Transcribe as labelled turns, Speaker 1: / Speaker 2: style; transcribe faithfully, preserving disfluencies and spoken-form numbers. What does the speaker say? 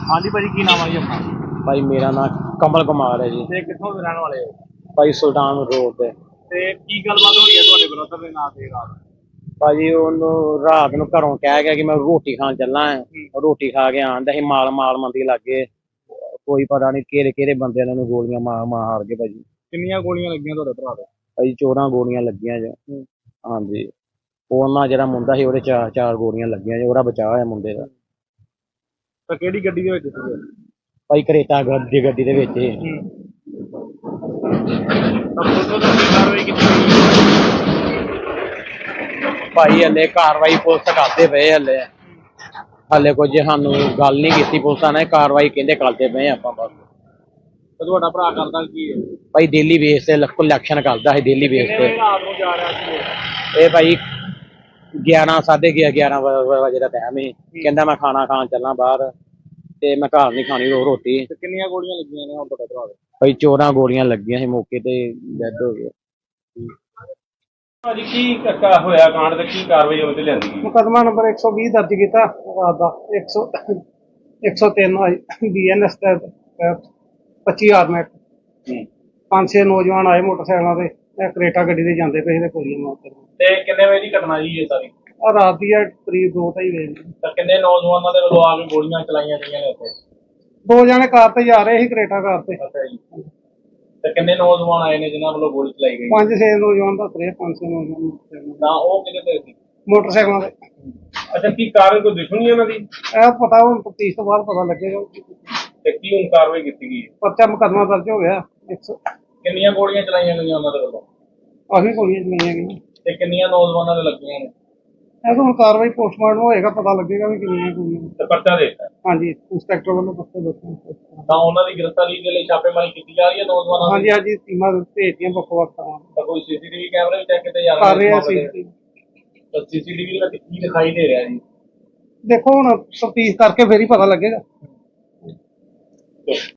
Speaker 1: ਹਾਂਜੀ ਭਾਜੀ, ਕੀ ਨਾਮ ਹੈ ਜੀ ਆਪਣਾ?
Speaker 2: ਭਾਈ ਮੇਰਾ ਨਾਮ ਕਮਲ ਕੁਮਾਰ ਹੈ ਜੀ।
Speaker 1: ਤੇ ਕਿੱਥੋਂ ਦੇ ਰਹਿਣ ਵਾਲੇ ਹੋ?
Speaker 2: ਭਾਈ ਸੁਲਤਾਨ ਰੋਡ ਤੇ।
Speaker 1: ਤੇ ਕੀ ਗੱਲਬਾਤ ਹੋਈ ਹੈ ਤੁਹਾਡੇ ਬ੍ਰਦਰ ਦੇ ਨਾਂ ਤੇ ਰਾਤ?
Speaker 2: ਭਾਜੀ ਉਹਨੂੰ ਰਾਤ ਨੂੰ ਘਰੋਂ ਕਹਿ ਗਿਆ ਕਿ ਮੈਂ ਰੋਟੀ ਖਾਣ ਚੱਲਾਂ ਹੈ। ਰੋਟੀ ਖਾ ਕੇ ਆਂਦਾ ਸੀ, ਮਾਲ ਮਾਲ ਮੰਦੀ ਲੱਗੇ ਕੋਈ ਪਤਾ ਨਹੀਂ ਕਿਹੜੇ ਕਿਹੜੇ ਬੰਦਿਆਂ ਨੇ ਉਹਨੂੰ ਗੋਲੀਆਂ ਮਾਰ ਮਾਰ ਕੇ ਭਾਜੀ।
Speaker 1: ਕਿੰਨੀਆਂ ਗੋਲੀਆਂ ਲੱਗੀਆਂ ਤੁਹਾਡੇ ਭਰਾ ਦੇ?
Speaker 2: ਭਾਜੀ ਚੌਦਾਂ ਗੋਲੀਆਂ ਲੱਗੀਆਂ ਜੀ। ਹਾਂਜੀ, ਉਹਨਾਂ ਜਿਹੜਾ ਮੁੰਡਾ ਸੀ ਉਹਦੇ ਚਾਰ ਚਾਰ ਗੋਲੀਆਂ ਲੱਗੀਆਂ ਜੀ। ਉਹਦਾ ਬਚਾਅ ਹੋਇਆ ਮੁੰਡੇ ਦਾ।
Speaker 1: ਤਾਂ ਕਿਹੜੀ ਗੱਡੀ ਦੇ ਵਿੱਚ ਸੀਗੇ?
Speaker 2: ਭਾਈ ਕਰੇਟਾ ਗੱਡੀ ਗੱਡੀ ਦੇ ਵਿੱਚ ਹੀ।
Speaker 1: ਤਾਂ ਪੁਲਿਸ ਵੱਲੋਂ ਕੀ ਕਾਰਵਾਈ ਕੀਤੀ ਗਈ?
Speaker 2: ਭਾਈ ਹਲੇ ਕਾਰਵਾਈ ਪੁਲਿਸ ਕਰਦੇ ਪਏ ਹਲੇ ਹਲੇ ਕੁਝ ਸਾਨੂੰ ਗੱਲ ਨਹੀਂ ਕੀਤੀ ਪੁਲਿਸਾਂ ਨੇ। ਕਾਰਵਾਈ ਕਹਿੰਦੇ ਕਰਦੇ ਪਏ ਆਪਾਂ ਬਸ।
Speaker 1: ਤੇ ਤੁਹਾਡਾ ਭਰਾ ਕਰਦਾ ਕੀ ਹੈ?
Speaker 2: ਭਾਈ ਡੇਲੀ ਬੇਸ ਤੇ ਕਲੈਕਸ਼ਨ ਕਰਦਾ ਸੀ ਡੇਲੀ ਬੇਸ ਤੇ।
Speaker 1: ਰਾਤ ਨੂੰ ਜਾ ਰਿਹਾ ਸੀ
Speaker 2: ਇਹ ਭਾਈ ਗਿਆਰਾਂ ਸਾਢੇ ਗਿਆਰਾਂ ਵਜੇ ਦਾ ਟਾਈਮ ਸੀ। ਕਹਿੰਦਾ ਮੈਂ ਖਾਣਾ ਖਾਣ ਚੱਲਾਂ ਬਾਹਰ ਤੇ ਮੈਂ ਘਰ ਨਹੀਂ ਖਾਣੀ ਉਹ ਰੋਟੀ।
Speaker 1: ਤੇ ਕਿੰਨੀਆਂ ਗੋਲੀਆਂ ਲੱਗੀਆਂ ਨੇ ਹੁਣ ਤੁਹਾਡੇ ਭਰਾ ਦੇ?
Speaker 2: ਭਾਈ ਚੌਦਾਂ ਗੋਲੀਆਂ ਲੱਗੀਆਂ ਸੀ, ਮੌਕੇ ਤੇ ਡੈਡ ਹੋ ਗਏ।
Speaker 1: ਭਾਜੀ ਕੀ ਹੋਇਆ ਕਾਂਡ ਤੇ ਕੀ ਕਾਰਵਾਈ ਉਹਦੇ ਲਿਆਂਦੀ ਗਈ?
Speaker 3: ਮੁਕੱਦਮਾ ਨੰਬਰ ਇੱਕ ਸੌ ਵੀਹ ਦਰਜ ਕੀਤਾ ਰਾਤ ਦਾ। ਇੱਕ ਸੌ ਇੱਕ ਸੌ ਤਿੰਨ ਬੀ ਐਨ ਐਸ ਤਹਿਤ ਪੱਚੀ ਆਰਮੈਟ ਪੰਜ ਛੇ ਨੌਜਵਾਨ ਆਏ ਮੋਟਰਸਾਈਕਲਾਂ ਤੇ, ਇਹ ਕਰੇਟਾ ਗੱਡੀ ਤੇ ਜਾਂਦੇ ਪਏ ਸੀ ਤੇ ਗੋਲੀਆਂ ਮਾਰਦੇ।
Speaker 1: ਤੇ ਕਿੰਨੇ ਵਜੇ ਦੀ ਘਟਨਾ ਜੀ ਇਹ ਸਾਰੀ?
Speaker 3: ਆ ਰਾਤ ਦੀ ਹੈ ਕਰੀਬ ਦੋ ਢਾਈ ਵਜੇ।
Speaker 1: ਤਾਂ ਕਿੰਨੇ ਨੌਜਵਾਨਾਂ ਦੇ ਵੱਲੋਂ ਆ ਕੇ ਗੋਲੀਆਂ ਚਲਾਈਆਂ ਗਈਆਂ ਨੇ ਉੱਥੇ?
Speaker 3: ਦੋ ਜਣੇ ਕਾਰ ਤੇ ਜਾ ਰਹੇ ਸੀ, ਕਰੇਟਾ ਕਾਰ ਤੇ।
Speaker 1: ਅੱਛਾ ਜੀ। ਤੇ ਕਿੰਨੇ ਨੌਜਵਾਨ ਆਏ ਨੇ ਜਿਨ੍ਹਾਂ ਵੱਲੋਂ ਗੋਲੀ ਚਲਾਈ ਗਈ?
Speaker 3: ਪੰਜ ਛੇ ਨੌਜਵਾਨ ਦੱਸ ਰਹੇ, ਪੰਜ ਛੇ ਨੌਜਵਾਨ
Speaker 1: ਤਾਂ ਉਹ ਕਿਹਦੇ ਤੇ ਸੀ?
Speaker 3: ਮੋਟਰਸਾਈਕਲਾਂ ਤੇ।
Speaker 1: ਅੱਛਾ, ਕੀ ਕਾਰਨ ਕੋਈ ਦੁਸ਼ਮਣੀ ਉਹਨਾਂ ਦੀ?
Speaker 3: ਇਹ ਪਤਾ ਹੁਣ ਤਫਤੀਸ਼ ਤੋਂ ਬਾਅਦ ਪਤਾ ਲੱਗੇਗਾ।
Speaker 1: ਤੇ ਕੀ ਹੁਣ ਕਾਰਵਾਈ ਕੀਤੀ ਗਈ?
Speaker 3: ਪਰਚਾ ਮੁਕੱਦਮਾ ਦਰਜ ਹੋ ਗਿਆ। ਇੱਕ ਸੌ
Speaker 1: ਕਿੰਨੀਆਂ ਗੋਲੀਆਂ ਚਲਾਈਆਂ ਗਈਆਂ ਉਹਨਾਂ ਦੇ ਵੱਲੋਂ?
Speaker 3: ਆਹੀ ਗੋਲੀਆਂ ਚਲਾਈਆਂ ਗਈਆਂ।
Speaker 1: ਤੇ ਕਿੰਨੀਆਂ ਨੌਜਵਾਨਾਂ ਦੇ ਲੱਗੀਆਂ ਨੇ?
Speaker 3: ਇਹ ਤਾਂ ਹੁਣ ਕਾਰਵਾਈ ਪੋਸਟਮਾਰਟਮ ਹੋਏਗਾ, ਪਤਾ ਲੱਗੇਗਾ ਵੀ ਕਿੰਨੀਆਂ ਗੋਲੀਆਂ।
Speaker 1: ਤੇ ਪਰਚਾ ਦੇ ਦਿੱਤਾ?
Speaker 3: ਹਾਂਜੀ, ਇੰਸਪੈਕਟਰ ਵੱਲੋਂ ਪੱਕੇ ਦੱਸੋ।
Speaker 1: ਤਾਂ ਉਹਨਾਂ ਦੀ ਗ੍ਰਿਫਤਾਰੀ ਦੇ ਲਈ ਛਾਪੇਮਾਰੀ ਕੀਤੀ ਜਾ ਰਹੀ ਹੈ ਨੌਜਵਾਨਾਂ ਦੀ?
Speaker 3: ਹਾਂਜੀ ਹਾਂਜੀ, ਟੀਮਾਂ ਭੇਜਦੀਆਂ ਵੱਖ ਵੱਖ ਥਾਵਾਂ ਤੇ।
Speaker 1: ਤਾਂ ਕੋਈ ਸੀਸੀਟੀਵੀ ਕੈਮਰੇ ਵੀ ਚੈੱਕ ਕੀਤੇ ਜਾ
Speaker 3: ਕਰ ਰਹੇ ਆ
Speaker 1: ਸੀ?
Speaker 3: ਸੀ।
Speaker 1: ਤਾਂ ਸੀਸੀਟੀਵੀ ਵਿੱਚ ਕੀ ਦਿਖਾਈ ਦੇ ਰਿਹਾ ਜੀ?
Speaker 3: ਦੇਖੋ ਹੁਣ ਤਫਤੀਸ਼ ਕਰਕੇ ਫੇਰ ਹੀ ਪਤਾ ਲੱਗੇਗਾ।